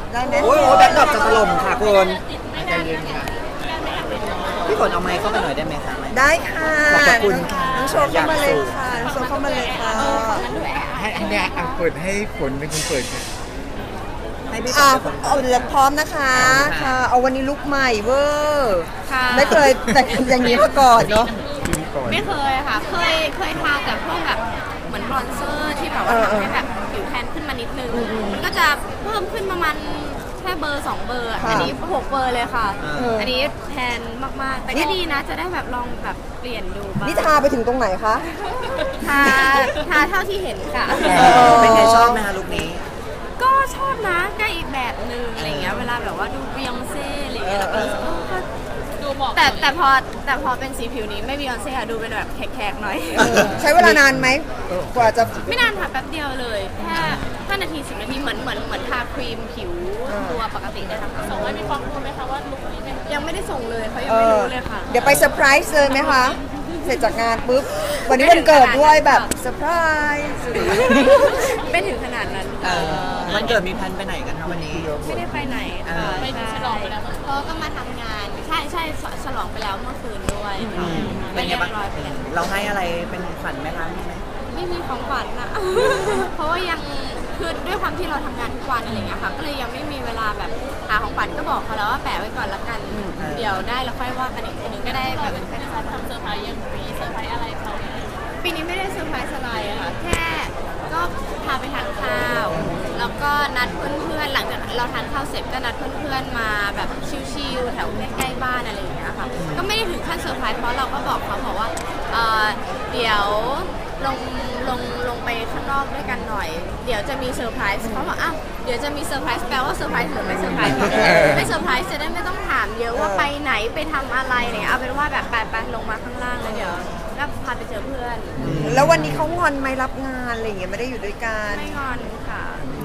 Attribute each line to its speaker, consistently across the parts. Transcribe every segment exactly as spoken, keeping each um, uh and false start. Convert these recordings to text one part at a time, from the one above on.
Speaker 1: ได้ไหม
Speaker 2: โอ้ยแบ็คดรอปจะถล่มค่ะคุณใจเย็นค่ะพี่ฝนเอาไมค์เข้าไปหน่อยได้ไหมคะ
Speaker 1: ได้ค่ะ
Speaker 2: ขอบคุณค่ะ
Speaker 1: น้องโชว์เข้ามาเลยค่ะน้องโชว์เข้ามาเลยค่ะ
Speaker 3: ให้อันเนี้ยอ่ะเปิดให้ฝนเป็นคนเปิดค่ะ
Speaker 2: ให้พี่ฝ
Speaker 1: อ่าน
Speaker 2: เป็นคน
Speaker 1: เอาเดี๋ยวพร้อมนะคะค่ะเอาวันนี้ลุคใหม่เวอร์ไม่เคยแต่งอย่างนี้มาก่อนเนาะ
Speaker 4: ไม่เคยค่ะเคยเคยทาแต่พวกแบบเหมือนบรอนเซอร์ที่แบบว่าทำให้แบบผิวแทนขึ้นมานิดนึงมันก็จะเพิ่มขึ้นประมาณแค่เบอร์สองเบอร์อันนี้หกเบอร์เลยค่ะอันนี้แทนมากๆแต่ก็ดีนะจะได้แบบลองแบบเปลี่ยนดูบ้าง
Speaker 1: นี่ทาไปถึงตรงไหนคะ
Speaker 4: ทาทาเท่าที่เห็นค่ะ
Speaker 2: เป็นไงชอบไหมคะลุคนี้
Speaker 4: ก็ชอบนะก็อีกแบบนึงอะไรเงี้ยเวลาแบบว่าดูบียองเซ่อะไรเงี้ยแล้วก็ดูเหมาะแต่แต่พอแต่พอเป็นสีผิวนี้ไม่บียองเซ่ค่ะดูเป็นแบบแขกๆหน่อย
Speaker 1: ใช้เวลานานไหมกว่าจะ
Speaker 4: ไม่นานค่ะแป๊บเดียวเลยแค่ห้านาทีสิบนาทีเหมือนเหมือนเหมือนทาครีมผิวตัวปกติได้ค่ะส่งให้พี่ฟองรู้ไหมคะว่าลุคนี้ยังไม่ได้ส่งเลยเขายังไม่รู้เลยค่ะ
Speaker 1: เดี๋ยวไปเซอร์ไพรส์เลยไหมคะเสร็จจากงานปุ๊บวันนี้วันเกิดด้วยแบบเซอร์ไพรส์
Speaker 4: ไม่ถึงขนาดนั้น
Speaker 2: วันเกิดมีแพลนไปไหนกันคะวันนี้
Speaker 4: ไม่ได้ไปไหนค่ะไปฉลองไปแล้วเพราะก็มาทำงานใช่ใช่ฉลองไปแล้วเมื่อคืนด้วย
Speaker 2: เป็นไงบ้างเราให้อะไรเป็นขวัญไหมคะมีไหม
Speaker 4: ไม่มีของขวัญนะเพราะว่ายังคือด้วยความที่เราทำงานทุกวันอะไรเงี้ยค่ะก็เลยยังไม่มีเวลาแบบหาของขวัญก็บอกเขาแล้วว่าแปะไว้ก่อนละกันเดี๋ยวได้แล้วค่อยว่ากันอีกทีนึงก็ได้แบบเป็นแฟนทำเซอร์ไพรส์ยังปีเซอร์ไพรส์อะไรเขาปีนี้ไม่ได้เซอร์ไพรส์อะไรอะค่ะแค่ก็พาไปทานข้าวแล้วก็นัดเพื่อนๆหลังจากเราทานข้าวเสร็จก็นัดเพื่อนๆมาแบบชิลๆแถวใกล้ๆบ้านอะไรอย่างเงี้ยค่ะก็ไม่ได้ถึงขั้นเซอร์ไพรส์เพราะเราก็บอกเขาบอกว่าเดี๋ยวลงลงลงไปข้างนอกด้วยกันหน่อยเดี๋ยวจะมีเซอร์ไพรส์เขาบอกอ้าวเดี๋ยวจะมีเซอร์ไพรส์แปลว่าเซอร์ไพรส์หรือไม่เซอร์ไพรส์ไม่เซอร์ไพรส์จะได้ไม่ต้องถามเยอะว่าไปไหนไปทำอะไรเนี่ยเอาเป็นว่าแบบไปไปลงมาข้างล่างแล้วเดี๋ยวก็พาไปเจอเพื่อน
Speaker 1: แล้ววันนี้เขางอนไหมรับงานอะไรอย่างเงี้ยไม่ได้อยู่ด้วยกัน
Speaker 4: ไม่งอนค่ะ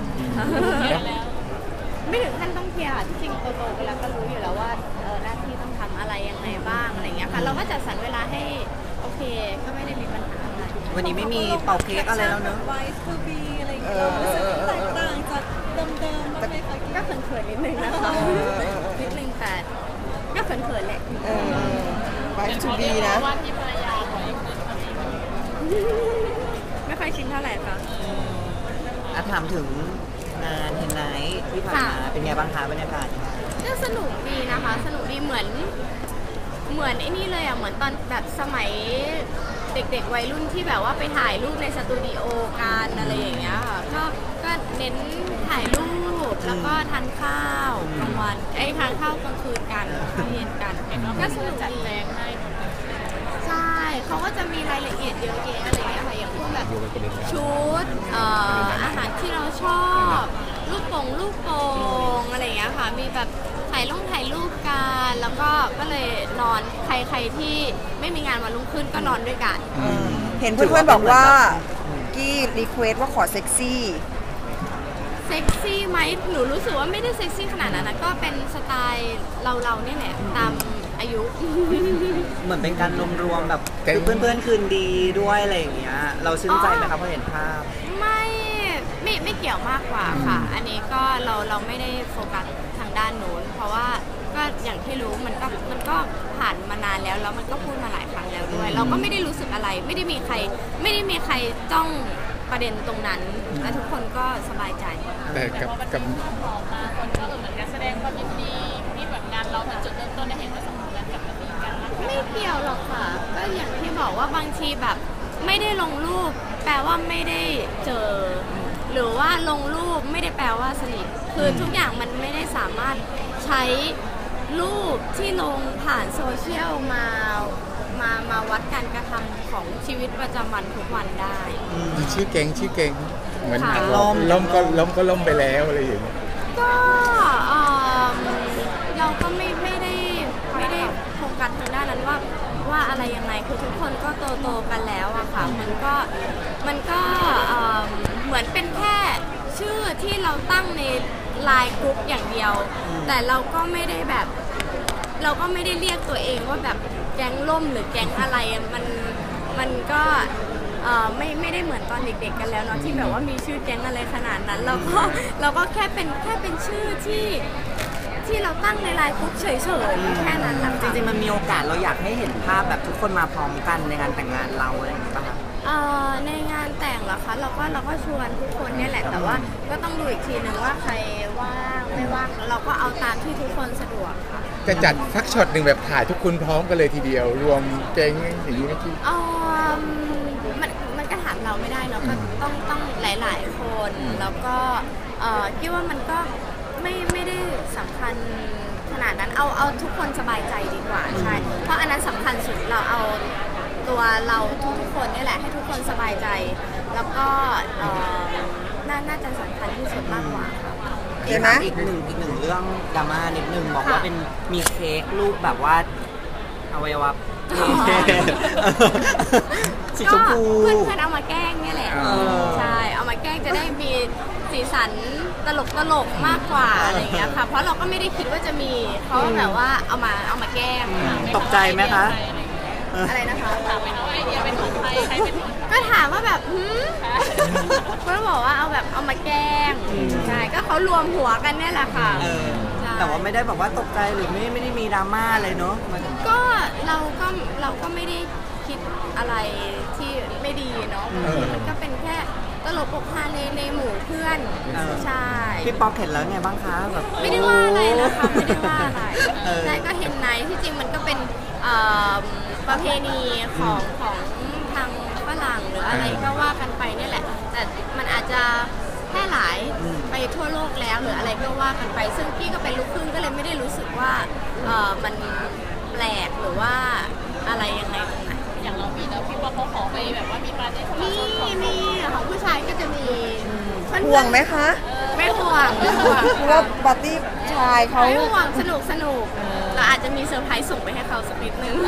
Speaker 4: ไม่ถึงขั้นต้องเคลียร์จริงๆโตๆไปแล้วก็รู้อยู่แล้วว่าหน้าที่ต้องทำอะไรยังไงบ้างอะไรเงี้ยค่ะเราก็จัดสรรเวลาให้โอเคก็ไม่ได้มีปัญหาอะไร
Speaker 2: วันนี้ไม่มีเป่าเค้กอะไรแล้วเนอะ
Speaker 5: ไวส์ทูบีอะไรอย่างเงี้ยรู้สึกแตกต่างจากเดิมๆบ้างไหมคะ
Speaker 4: ก็เขินๆนิดนึงนะคะนิดนึงแต่ก็เขินๆแหละ
Speaker 1: ไวส์ทูบีนะ
Speaker 4: ว่าที่ภรรยาไม่ค่อยชินเท่าไหร่ค่ะ
Speaker 2: อ่ะถามถึงงานเฮนไนท์ที่ผ่านมาเป็นไงบ้างคะบรรยากาศ
Speaker 4: ก็สนุกดีนะคะสนุกดีเหมือนเหมือนไอ้นี่เลยอ่ะเหมือนตอนแบบสมัยเด็กๆวัยรุ่นที่แบบว่าไปถ่ายรูปในสตูดิโอกันอะไรอย่างเงี้ยค่ะก็ก็เน้นถ่ายรูปแล้วก็ทานข้าวกลางวันไอ้ทานข้าวกลางคืนกันข้าวเย็นกันก็สนุกจัดแจงให้ใช่เขาก็จะมีรายละเอียดเยอะแยะอะไรอย่างเงี้ยค่ะอย่างพวกแบบชุดอาหารที่เราชอบลูกโป่งลูกโป่งอะไรอย่างเงี้ยค่ะมีแบบถ่ายลงถ่ายรูปกันแล้วก็ก็เลยนอนใครๆที่ไม่มีงานวันรุ่งขึ้นก็นอนด้วยกัน
Speaker 1: เห็นเพื่อนๆบอกว่ากี้รีเควสว่าขอเซ็กซี่
Speaker 4: เซ็กซี่ไหมหนูรู้สึกว่าไม่ได้เซ็กซี่ขนาดนั้นนะก็เป็นสไตล์เราๆเนี่ยแหละตามอายุ
Speaker 2: เหมือนเป็นการรวมๆแบบเพื่อนๆคืนดีด้วยอะไรอย่างเงี้ยเราชื่นใจไหมครับพอเห็นภาพ
Speaker 4: ไม่ไม่ไม่เกี่ยวมากกว่าค่ะอันนี้ก็เราเราไม่ได้โฟกัสทางด้านนู้นเพราะว่าก็อย่างที่รู้มันก็มันก็ผ่านมานานแล้วแล้วมันก็พูดมาหลายครั้งแล้วด้วยเราก็ไม่ได้รู้สึกอะไรไม่ได้มีใครไม่ได้มีใครจ้องประเด็นตรงนั้นและทุกคนก็สบายใจ
Speaker 3: แต่กับกับ
Speaker 4: ออกมาคนก็เหมือนกันแสดงความยินดีที่แบบงานเราเป็นจุดเริ่มต้นได้เห็นว่าสมกันกับกันไม่เกี่ยวหรอกค่ะก็อย่างที่บอกว่าบางทีแบบไม่ได้ลงรูปแปลว่าไม่ได้เจอหรือว่าลงรูปไม่ได้แปลว่าสนิทคือทุกอย่างมันไม่ได้สามารถใช้รูปที่ลงผ่านโซเชียลมามามาวัดการกระทำของชีวิตประจำวันทุกวันได้
Speaker 3: ชื่อเก่งชื่อเก่งเหมือนล้มล้มก็ล้มก็ล้มไปแล้วอะไรอย่างเงี้ย
Speaker 4: ก็เราก็ไม่ไม่ได้ไม่ได้โฟกัสทางด้านนั้นว่าว่าอะไรยังไงคือทุกคนก็โตโตกันแล้วอะค่ะมันก็มันก็เหมือนเป็นแค่ชื่อที่เราตั้งในไลน์กรุ๊ปอย่างเดียวแต่เราก็ไม่ได้แบบเราก็ไม่ได้เรียกตัวเองว่าแบบแก๊งล่มหรือแก๊งอะไรมันมันก็เอ่อไม่ไม่ได้เหมือนตอนเด็กๆกันแล้วเนาะที่แบบว่ามีชื่อแก๊งอะไรขนาดนั้นเราก็เราก็แค่เป็นแค่เป็นชื่อที่ที่เราตั้งในไลน์กรุ๊ปเฉยๆแค่นั้นแหละ
Speaker 2: จริงๆมันมีโอกาสเราอยากให้เห็นภาพแบบทุกคนมาพร้อมกันในงานแต่งงานเราอะไรอย่างเงี้ยป่ะคะ
Speaker 4: เอ่อในงานแต่งเหรอคะเราก็เราก็ชวนทุกคนเนี่ยแหละแต่ว่าก็ต้องดูอีกทีหนึ่งว่าใครว่างไม่ว่างแล้วเราก็เอาตามที่ทุกคนสะดวกค่ะ
Speaker 3: จะจัดสักช็อตหนึ่งแบบถ่ายทุกคนพร้อมกันเลยทีเดียว รวมแก๊งอย่างนี้เมื่อกี้
Speaker 4: เออมันมันก็ถามเราไม่ได้เนาะก็ต้องต้องหลาย ๆ คนแล้วก็เอ่อคิดว่ามันก็ไม่ไม่ได้สำคัญขนาดนั้นเอาเอาทุกคนสบายใจดีกว่าใช่เพราะอันนั้นสำคัญสุดเราเอาตัวเราทุกๆคนนี่แหละให้ทุกคนสบายใจแล้วก็เอ่อน่าน่าจะสำคัญที่สุดมากกว่าค่ะ
Speaker 1: เห็นไหม
Speaker 2: อีกหนึ่งอีกหนึ่งเรื่องดราม่านิดนึงบอกว่าเป็นมีเค้กรูปแบบว่าอวัยวะสีชมพู
Speaker 4: เพื่อนเพื่อนๆเอามาแกล้งเนี่ยแหละ
Speaker 3: อ๋อ
Speaker 4: ใช่เอามาแกล้งจะได้มีสีสันตลกตลกๆมากกว่าอะไรอย่างเงี้ยค่ะเพราะเราก็ไม่ได้คิดว่าจะมีเขาแบบว่าเอามาเอามาแกล้ง
Speaker 2: ตกใจไหมคะ
Speaker 4: อะไรนะคะถามไปนะว่าไอเดียเป็นของใครใครเป็นก็ถามว่าแบบหืมก็บอกว่าเอาแบบเอามาแกล้งใช่ก็เขารวมหัวกันเนี่ยแหละค่ะ
Speaker 2: เออ
Speaker 4: ใช่
Speaker 2: แต่ว่าไม่ได้บอกว่าตกใจหรือไม่ไม่ได้มีดราม่าอะไรเนาะมัน
Speaker 4: ก็เราก็เราก็ไม่ได้คิดอะไรที่ไม่ดีเนาะมันก็เป็นแค่ตลกปกฮาในในหมู่เพื่อนใช่
Speaker 2: พี่ป๊อกเห็นแล้วไงบ้างคะแบบ
Speaker 4: ไม่ได้ว่าอะไรนะคะไม่ได้ว่าอะไร
Speaker 2: เออ
Speaker 4: ใช่ก็เห็นไหนที่จริงมันก็เป็นเอ่อประเพณีของของทางฝรั่งหรืออะไรก็ว่ากันไปเนี่ยแหละ แต่มันอาจจะแพร่หลายไปทั่วโลกแล้วหรืออะไรก็ว่ากันไป ซึ่งพี่ก็เป็นลูกครึ่งก็เลยไม่ได้รู้สึกว่าเอ่อมันแปลกหรือว่าอะไรยังไงตรงไหน
Speaker 5: อย่างเรามีแล้วพี่ว่าเขาขอไปแบบว่ามีปาร์ตี้ของ
Speaker 4: มีมีของผู้ชายก็จะมีเพื่อนๆ
Speaker 1: ห่วงไหมคะ
Speaker 4: ไม่ห่วงไม่ห่วง
Speaker 1: เพราะว่าปาร์ตี้ชายเขา
Speaker 4: ไม่ห่วงสนุกสนุกเราอาจจะมีเซอร์ไพรส์ส่งไปให้เขาสักนิดนึง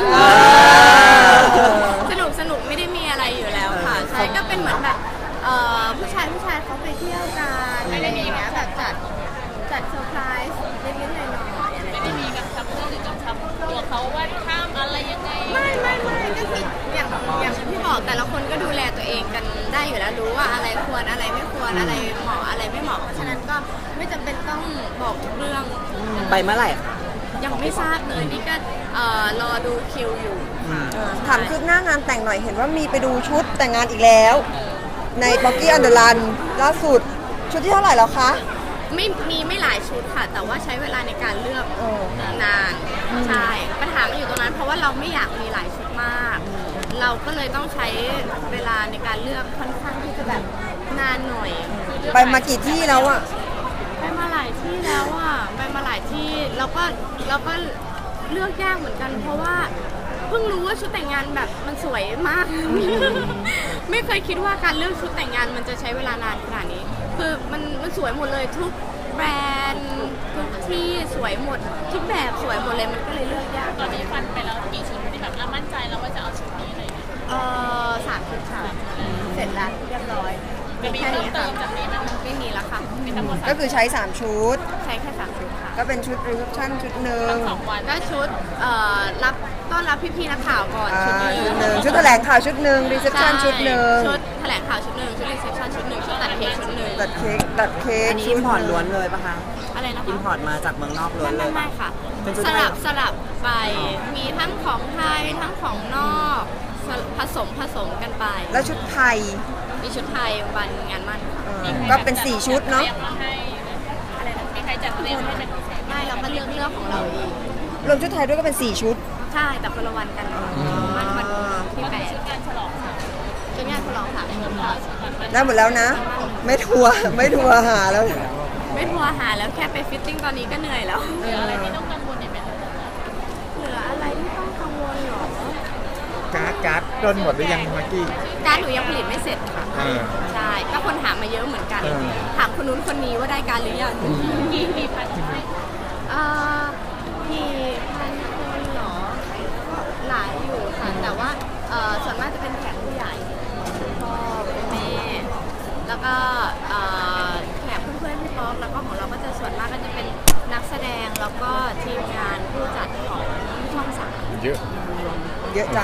Speaker 4: สนุกสนุกไม่ได้มีอะไรอยู่แล้วค่ะใช่ก็เป็นเหมือนแบบเอ่อผู้ชายผู้ชายเขาไปเที่ยวกันอะไรอย่างเงี้ยแบบจัดจัดเซอร์ไพรส์เล็กๆน้อยๆอะไรอย่าง
Speaker 5: ไม่
Speaker 4: เงี้ย
Speaker 5: มีการทำเพื่อนหรือกำชับตัวเขาว่าข้ามอะไรยังไง
Speaker 4: ไม่ไม่ไม่ก็คืออย่างอย่างที่บอกแต่ละคนก็ดูแลตัวเองกันได้อยู่แล้วรู้ว่าอะไรควรอะไรไม่ควรอะไรเหมาะอะไรไม่เหมาะเพราะฉะนั้นก็ไม่จำเป็นต้องบอกทุกเรื่อง
Speaker 2: ไปเมื่อไหร่คะ
Speaker 4: ยังไม่ทราบเลยนี่ก็เอ่อรอดูคิวอยู่
Speaker 1: ถามคืบหน้างานแต่งหน่อยเห็นว่ามีไปดูชุดแต่งงานอีกแล้ว ในบ็อกกี้อันเดอร์ลันล่าสุดชุดที่เท่าไหร่แล้วคะ
Speaker 4: ไม่มีไม่หลายชุดค่ะ แต่ว่าใช้เวลาในการเลือก
Speaker 1: เออ
Speaker 4: นานใช่ปัญหามันอยู่ตรงนั้น เพราะว่าเราไม่อยากมีหลายชุดมาก เราก็เลยต้องใช้เวลาในการเลือกค่อนข้างที่จะแบบนานหน่อย
Speaker 1: ไปมากี่ที่แล้วอะ
Speaker 4: ไปมาหลายที่แล้วอ่ะไปมาหลายที่แล้วก็แล้วก็เลือกยากเหมือนกัน เพราะว่าเพิ่งรู้ว่าชุดแต่งงานแบบมันสวยมาก ไม่เคยคิดว่าการเลือกชุดแต่งงานมันจะใช้เวลานานขนาดนี้ คือมันมันสวยหมดเลยทุกแบรนด์ทุกที่สวยหมด ทุกแบบสวยหมดเลยมันก็เลยเลือกยาก
Speaker 5: ตอนนี้ฟันไปแล้วกี่ชุดที่แบบอ่ะมั่นใจแล้วว่าจะเอาชุดนี้อะไรอย่างเงี้ย
Speaker 4: เออสามชุดค่ะเสร็จแล้วเรียบร้อย
Speaker 5: จะมี
Speaker 4: แค่
Speaker 5: เพิ่ม
Speaker 4: นี้
Speaker 5: เติ
Speaker 4: ค่ะ
Speaker 5: มจากนี้ไหมคะ
Speaker 4: ไม่มีแล้วค่ะ
Speaker 5: มีทั้งหมด
Speaker 1: ก็คือใช้ สาม ชุด
Speaker 4: ใช้แค่สามชุดค่ะ
Speaker 1: ก็เป็นชุดรีเซพชันชุดหนึ่ง
Speaker 5: สองวัน
Speaker 4: ก็ชุดเอ่อรับต้อนรับพี่ๆนักข่าวก่อน
Speaker 1: อ่า
Speaker 4: ชุดหนึ
Speaker 1: ชุดห
Speaker 4: ง
Speaker 1: นึ่งชุดแถลงข่าวชุดหนึ่งรีเซพชันชุดหนึ่ง
Speaker 4: ชุดแถลงข่าวชุดหนึ่งชุดรีเซพชันชุดหนึ่งชุดตัดเค้กชุดหนึ่ง
Speaker 1: ตัดเค้กตัดเค้ก
Speaker 2: อันนี้
Speaker 1: ชุ
Speaker 2: อิ
Speaker 1: ด
Speaker 2: มพอร์ตล้วนเลยปะคะ
Speaker 4: อะไรนะคะ
Speaker 2: อิมพอร์ตมาจากเมืองนอกล้วนเล
Speaker 4: ไม่
Speaker 2: ย
Speaker 4: ไม่
Speaker 2: ปะ
Speaker 4: ค่ะ
Speaker 2: เป็นชุด
Speaker 4: ส
Speaker 2: ไทย
Speaker 4: ลับสลับไปมีทั้งของไทยทั้งของนอกสลับผสมผสมกันไป
Speaker 1: แล้วชุดไทย
Speaker 4: มีชุดไทยวันงานมั่นค่ะ
Speaker 1: เออก็เป็นสี่ชุดเนาะ
Speaker 5: ตรียมมาให้
Speaker 4: อะไรนะ
Speaker 5: มีใครจัดเตรียมให้เป็นพิเศษ
Speaker 4: ไม่เราก็เลือกเลือกของเราเอง
Speaker 1: รวมชุดไทยด้วยก็เป็นสี่ชุด
Speaker 4: ใช่แต่คนละวันกันมันวันที่
Speaker 5: ก็
Speaker 4: แป
Speaker 5: คือ
Speaker 4: ด
Speaker 5: ชุดการฉลองค่ะ
Speaker 4: ชุดงานฉลองค่ะ
Speaker 1: ได้หมดแล้วนะ ไม่ทัวร์ไม่ทัวร์หาแล้ว
Speaker 4: ไม่ทัวร์หาแล้วแค่ไปฟิตติ้งตอนนี้ก็เหนื่อยแล้ว
Speaker 5: เหลืออะไรที่ต้องกังวลอีกไหมคะ
Speaker 4: เหลืออะไรที่ต้องกังวลหรอ
Speaker 3: การ์ดการ์ดต้นหมดหรือยังมากกี้
Speaker 4: การดหนูยังผลิตไม่เสร็จค่ะ
Speaker 3: เออ
Speaker 4: ใช่ ก็คนถามมาเยอะเหมือนกัน
Speaker 3: เออ
Speaker 4: ถามคนนู้นคนนี้ว่าได้การหรือยัง
Speaker 5: กี่กี่พันให้
Speaker 4: เอ่อกี่พันคนเหรอ หลายอยู่ค่ะ แต่ว่าเอ่อส่วนมากจะเป็นแขกผู้ใหญ่พ่อคุณแม่ แล้วก็เอ่อแขกเพื่อนๆพี่ป๊อกแล้วก็ของเราก็จะส่วนมากก็จะเป็นนักแสดงแล้วก็ทีมงานผู้จัดของช่องสาม
Speaker 3: เยอะ
Speaker 1: เยอะจัง
Speaker 4: ใ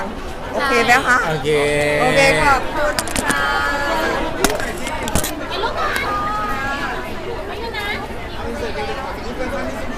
Speaker 1: โอเคไหมคะ
Speaker 3: โอเค
Speaker 1: โอเคขอบคุณค่ะ
Speaker 4: กินลูกก่อนไม่ใช่นะ